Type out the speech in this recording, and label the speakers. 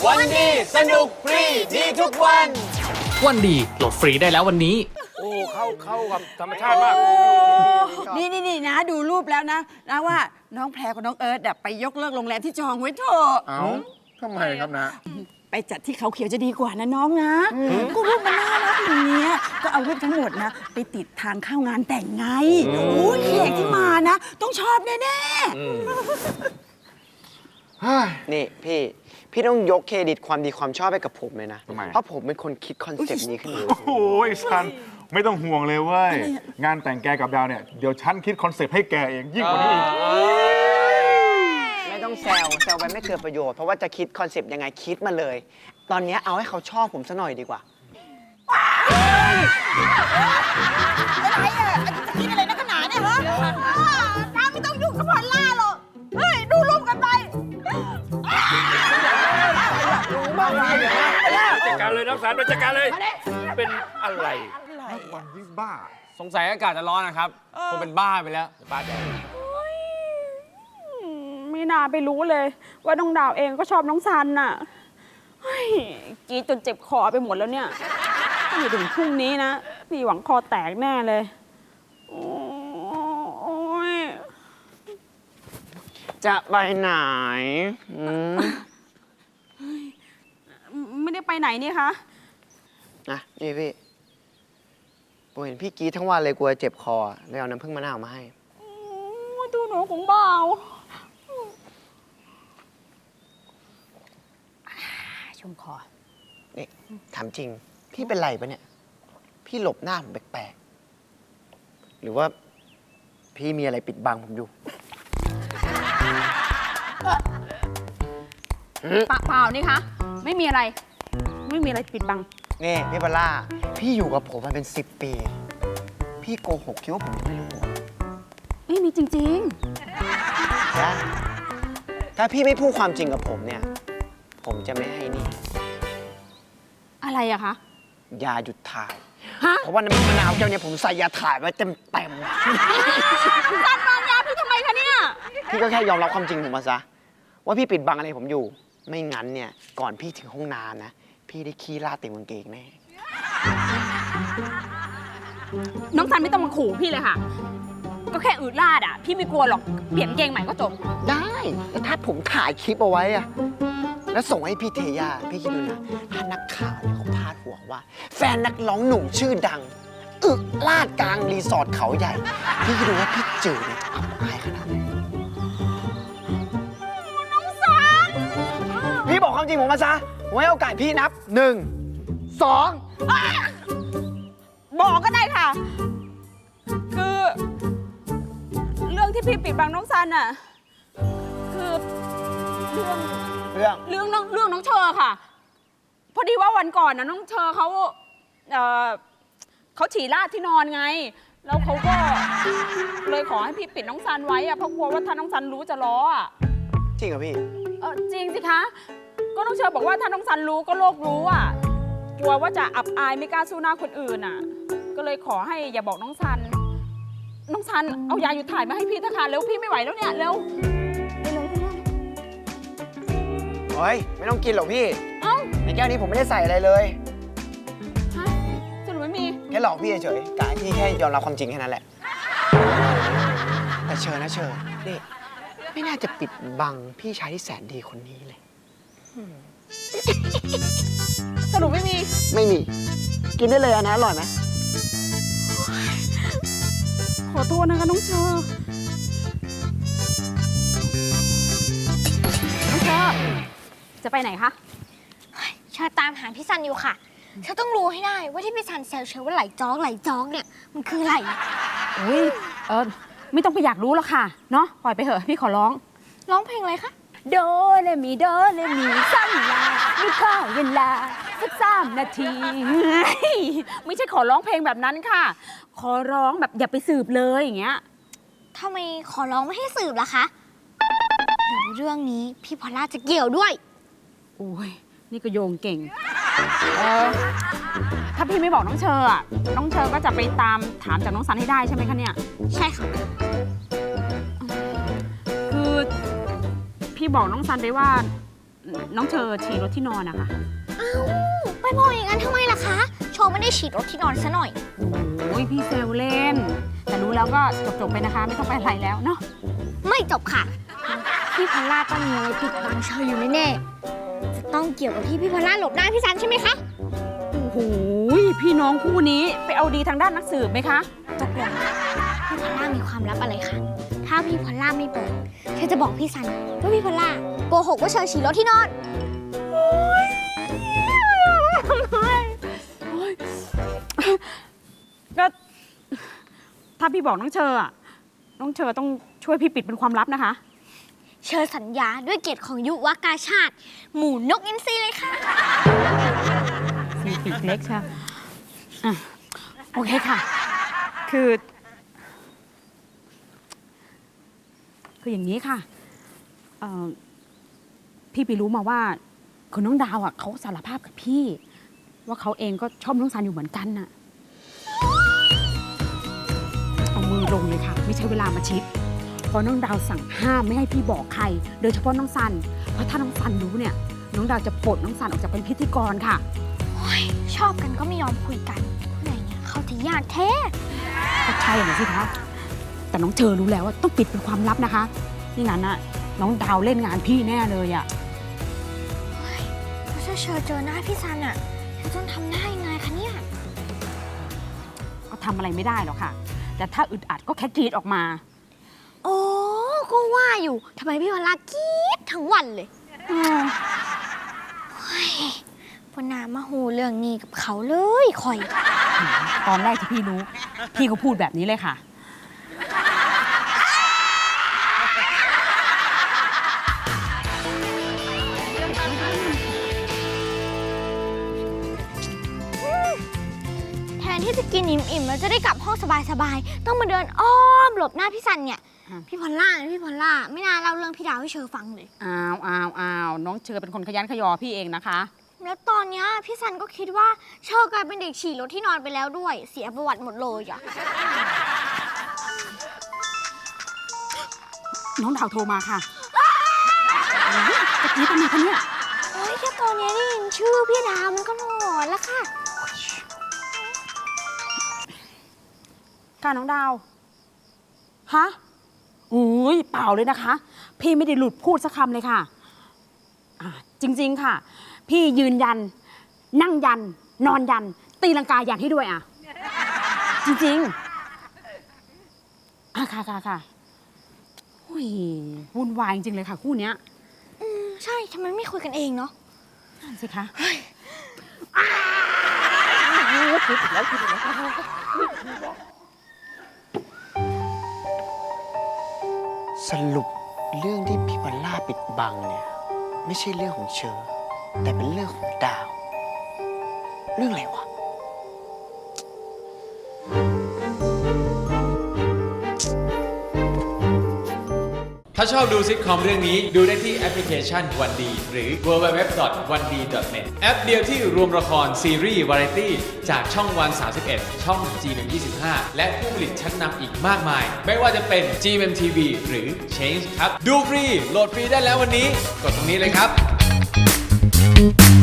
Speaker 1: วันดีสนุกฟรีดีทุกวัน
Speaker 2: วันดีโหลดฟรีได้แล้ววันนี้
Speaker 3: โอ้เข้ากับธรรมชาติมาก
Speaker 4: นี่นะดูรูปแล้วนะว่าน้องแพรกับน้องเอิร์ธไปยกเลิกโรงแรมที่จองไว้เถอะ
Speaker 3: เอ้าทำไมครับนะ
Speaker 4: ไปจัดที่เขาเขียวจะดีกว่านะน้องนะก็รูปมันน่ารักอย่างเนี้ยก็เอารูปทั้งหมดนะไปติดทางเข้างานแต่งไงโอ้ยแขกที่มานะ ต้องชอบแน่
Speaker 1: นี่พี่ต้องยกเครดิตความดีความชอบให้กับผมเลยนะ
Speaker 3: ทำไม
Speaker 1: เพราะผมเป็นคนคิดคอนเซปต์นี้ขึ้นมา
Speaker 3: โอ้ยซันไม่ต้องห่วงเลยเว้ย งานแต่งแกกับดาวเนี่ย เดี๋ยวฉันคิดคอนเซปต์ให้แกเองยิ่งกว่านี้อีก
Speaker 1: ไม่ต้องแซวไปไม่เกิดประโยชน์เพราะว่าจะคิดคอนเซปต์ยังไงคิดมาเลย ตอนนี้เอาให้เขาชอบผมซะหน่อยดีกว่า
Speaker 4: อะไรอ่ะจะกินอะไรนักหนาเนี่ยฮะน้าไม่ต้องยุ่งกับพอลล่าหรอกเฮ้ยดูรูปกันไป
Speaker 3: จัดการเลยน้องสารไปจัดการเลย เป็นอะไร
Speaker 5: วัน
Speaker 3: ยิ่งบ้า
Speaker 5: สงสัยอากาศจะร้อนนะครับคงเป็นบ้าไปแล้วบ้าใจ
Speaker 6: ไม่น่าไปรู้เลย ว่าน้องดาวเองก็ชอบน้องซันน่ะเฮ้ยกรีดจนเจ็บคอไปหมดแล้วเนี่ยถ้าอยู่ถึงพรุ่งนี้นะพี่หวังคอแตกแน่เลยโอ้ย
Speaker 1: จะไปไหน
Speaker 6: ไม่ได้ไปไหนนี่คะ
Speaker 1: นะนี่พี่ผมเห็นพี่กรีดทั้งวันเลยกลัวเจ็บคอเลยเอาน้ำผึ้งมะนาวมาให้
Speaker 6: โอ้ยดูหนูของบ่าวชุ่มคอ
Speaker 1: นี่ถามจริง พี่เป็นไรปะเนี่ย พี่หลบหน้าผมแปลกๆ หรือว่าพี่มีอะไรปิดบังผมอยู่
Speaker 6: เปล่านี่คะไม่มีอะไร ไม่มีอะไรปิดบัง
Speaker 1: นี่พี่ปลาพี่อยู่กับผมมาเป็น10 ปี พี่โกหกคิดว่าผมจะไม่รู้เหรอ
Speaker 6: ไม่มีจริง
Speaker 1: นะถ้าพี่ไม่พูดความจริงกับผมเนี่ย ผมจะไม่ให้นี่
Speaker 6: ๆ อะไรอะคะ
Speaker 1: ยาหยุดถ่าย
Speaker 6: ฮะ
Speaker 1: เพราะว่าน้ำมะนาวเจ้าเนี่ยผมใส่ยาถ่ายไว้เต็ม
Speaker 6: ซันวางยาพี่ทำไมคะเนี่ย
Speaker 1: ๆ พี่ก็แค่ยอมรับความจริงผมมาซะ ว่าพี่ปิดบังอะไรผมอยู่ ไม่งั้นเนี่ย ก่อนพี่ถึงห้องน้ำนะ พี่ได้ขี้ราดเต็มกางเกงแน่
Speaker 6: น้องซันไม่ต้องมาขู่พี่เลยค่ะ ก็แค่อืดลาดอ่ะ พี่ไม่กลัวหรอก เปลี่ยนเกงใหม่ก็จบ
Speaker 1: ได้แต่ถ้าผมถ่ายคลิปเอาไว้อะแล้วส่งให้พี่เทย่าพี่คิดดูนะ ถ้านักข่าวเนี่ยเขาพาดหัวว่า แฟนนักร้องหนุ่มชื่อดัง อึลาดกลางรีสอร์ทเขาใหญ่ พี่คิดดูว่าพี่จืดเนี่ยจะอับอายขนาดไหนพี่บอกความจริงผมมาซะผมให้โอกาสพี่นับ 1 2
Speaker 6: บอกก็ได้ค่ะ คือ เรื่องที่พี่ปิดบังน้องซันอ่ะ คือเรื่องน้องเชอค่ะ พอดีว่าวันก่อนนะน้องเชอเขาฉี่ราดที่นอนไง แล้วเขาก็เลยขอให้พี่ปิดน้องซันไว้อะเพราะกลัวว่าถ้าน้องซันรู้จะล้ออะ
Speaker 1: จริงเหรอพี่
Speaker 6: จริงสิคะ ก็น้องเชอบอกว่าถ้าน้องซันรู้ก็โลกรู้อ่ะ กลัวว่าจะอับอายไม่กล้าสู้หน้าคนอื่นอ่ะ ก็เลยขอให้อย่าบอกน้องซัน น้องซันเอายาหยุดถ่ายมาให้พี่เถอะค่ะเร็วพี่ไม่ไหวแล้วเนี่ยเร็ว
Speaker 1: เฮ้ย ไม่ต้องกินหรอกพี่
Speaker 6: เอ้า
Speaker 1: ในแก้วนี้ผมไม่ได้ใส่อะไรเลย
Speaker 6: ฮะสรุปไม่มี
Speaker 1: แค่หลอกพี่เฉยๆกะให้พี่แค่ยอมรับความจริงแค่นั้นแหละ แต่เชิญนะเชิญนี่ไม่น่าจะปิดบังพี่ชายที่แสนดีคนนี้เลย
Speaker 6: สรุปไม่มี
Speaker 1: ไม่มี กินได้เลยอะนะอร่อยไหม
Speaker 6: ขอโทษนะคะน้องเชอน้องเชอจะไปไหนคะ
Speaker 7: เชอตามหาพี่ซันอยู่ค่ะเชอต้องรู้ให้ได้ว่าที่พี่ซันแซวเชอว่าไหลจ๊อกเนี่ยมันคืออะไร
Speaker 6: อุ้ยไม่ต้องไปอยากรู้หรอกค่ะ เนาะปล่อยไปเถอะพี่ขอร้อง
Speaker 7: ร้องเพลงอะไรคะ
Speaker 6: โดเรมีโดเรมีสั้นลาไม่ข้าวเวลาสัก3 นาทีไม่ใช่ขอร้องเพลงแบบนั้นค่ะ ขอร้องแบบอย่าไปสืบเลยอย่างเงี้ย
Speaker 7: ทำไมขอร้องไม่ให้สืบล่ะคะหรือเรื่องนี้พี่พอลล่าจะเกี่ยวด้วย
Speaker 6: โอ้ยนี่ก็โยงเก่งถ้าพี่ไม่บอกน้องเชอร์อะน้องเชอร์ก็จะไปตามถามจากน้องซันให้ได้ใช่ไหมคะเนี่ย
Speaker 7: ใช่ค่ะ
Speaker 6: คือพี่บอกน้องซันไปว่าน้องเชอฉี่รถที่นอนนะคะ
Speaker 7: อ้าวไปบอกอย่างนั้นทำไมล่ะคะ โชว์ไม่ได้ฉีดรถที่นอนซะหน่อย
Speaker 6: โอ้ยพี่เซลเล่น แต่รู้แล้วก็จบๆไปนะคะ ไม่ต้องไปอะไรแล้วเนาะ
Speaker 7: ไม่จบค่ะ พี่พอลล่าต้องมีอะไรปิดบังเชออยู่แน่ๆจะต้องเกี่ยวกับที่พี่พอลล่าหลบหน้าพี่ซันใช่ไหมคะ
Speaker 6: โอ้โหพี่น้องคู่นี้ไปเอาดีทางด้านนักสืบไหมคะ
Speaker 7: ตกลงพี่พอลล่ามีความลับอะไรคะ ถ้าพี่พอลล่าไม่เปิดเชอจะบอกพี่ซันว่าพี่พอลล่าโกหกว่าเชอฉี่รถที่นอน
Speaker 6: ก็ถ้าพี่บอกน้องเชออะน้องเชอต้องช่วยพี่ปิดเป็นความลับนะคะ
Speaker 7: เชอสัญญาด้วยเกียรติของยุวกาชาติ หมู่นกอินทรีเลยค่ะ
Speaker 6: สีปีกเล็กใช่อ่ะโอเคค่ะ คืออย่างนี้ค่ะพี่ไปรู้มาว่าคุณน้องดาวอ่ะเขาสารภาพกับพี่ ว่าเขาเองก็ชอบน้องซันอยู่เหมือนกันน่ะเอามือลงเลยค่ะ ไม่ใช่เวลามาชิดเพราะน้องดาวสั่งห้ามไม่ให้พี่บอกใคร โดยเฉพาะน้องซันเพราะถ้าน้องซันรู้เนี่ยน้องดาวจะปลดน้องซันออกจากเป็นพิธีกรค่ะ
Speaker 7: ชอบกันก็ไม่ยอมคุยกันผู้ใหญ่เนี่ยเขาจะยากแท้
Speaker 6: ก็ใช่นะสิคะแต่น้องเชอรู้แล้วว่าต้องปิดเป็นความลับนะคะนี่งั้นน่ะน้องดาวเล่นงานพี่แน่เลยอ่ะ
Speaker 7: แล้วถ้าเชอเจอหน้าพี่ซันอะเชอจะทำหน้ายังไงคะเนี่ย
Speaker 6: ก็ทำอะไรไม่ได้หรอกค่ะ แต่ถ้าอึดอัดก็แค่กรีดออกมา
Speaker 7: โอ้ก็ว่าอยู่ทำไมพี่พอลล่ากรี๊ดทั้งวันเลยปนามาหูเรื่องนี้กับเขาเลยคอย
Speaker 6: ตอนแรกที่พี่รู้ พี่ก็พูดแบบนี้เลยค่ะ
Speaker 7: แทนที่จะกินอิ่มๆแล้วจะได้กลับห้องสบายๆต้องมาเดินอ้อมหลบหน้าพี่ซันเนี่ย
Speaker 6: อ่ะ
Speaker 7: พี่พอลล่าไม่น่าเล่าเรื่องพี่ดาวให้เชอฟังเลย
Speaker 6: อ้าวน้องเชอเป็นคนขยันขยอพี่เองนะคะ
Speaker 7: แล้วตอนเนี้ยพี่ซันก็คิดว่าเชอกลายเป็นเด็กฉี่รถที่นอนไปแล้วด้วย เสียประวัติหมดเลยอ่ะ
Speaker 6: น้องดาวโทรมาค่ะจะกรีดทำไมคะเนี่ย
Speaker 7: โอ้ยแค่ตอนเนี้ยได้ยินชื่อพี่ดาวมันก็หลอนแล้วค่ะ
Speaker 6: ค่ะน้องดาว ฮะอุ้ยเปล่าเลยนะคะ พี่ไม่ได้หลุดพูดสักคำเลยค่ะจริงๆค่ะ พี่ยืนยัน นั่งยัน นอนยัน ตีลังกายันให้ด้วยอ่ะ จริงๆค่ะโอ้ยวุ่นวายจริงๆเลยค่ะคู่เนี้ย
Speaker 7: ใช่ทำไมไม่คุยกันเองเนาะ
Speaker 6: นั่นสิคะ
Speaker 1: สรุปเรื่องที่พี่พอลล่าปิดบังเนี่ย ไม่ใช่เรื่องของเชอ แต่เป็นเรื่องของดาว เรื่องอะไรวะ
Speaker 5: ถ้าชอบดูซิทคอมเรื่องนี้ดูได้ที่แอปพลิเคชันวันดีหรือ www.1d.net แอปเดียวที่รวมละครซีรีส์วาไรตี้จากช่องวัน 31 ช่อง G125 และผู้ผลิตชั้นนำอีกมากมาย ไม่ว่าจะเป็น GMMTV หรือ Change ครับ ดูฟรี โหลดฟรีได้แล้ววันนี้ กดตรงนี้เลยครับ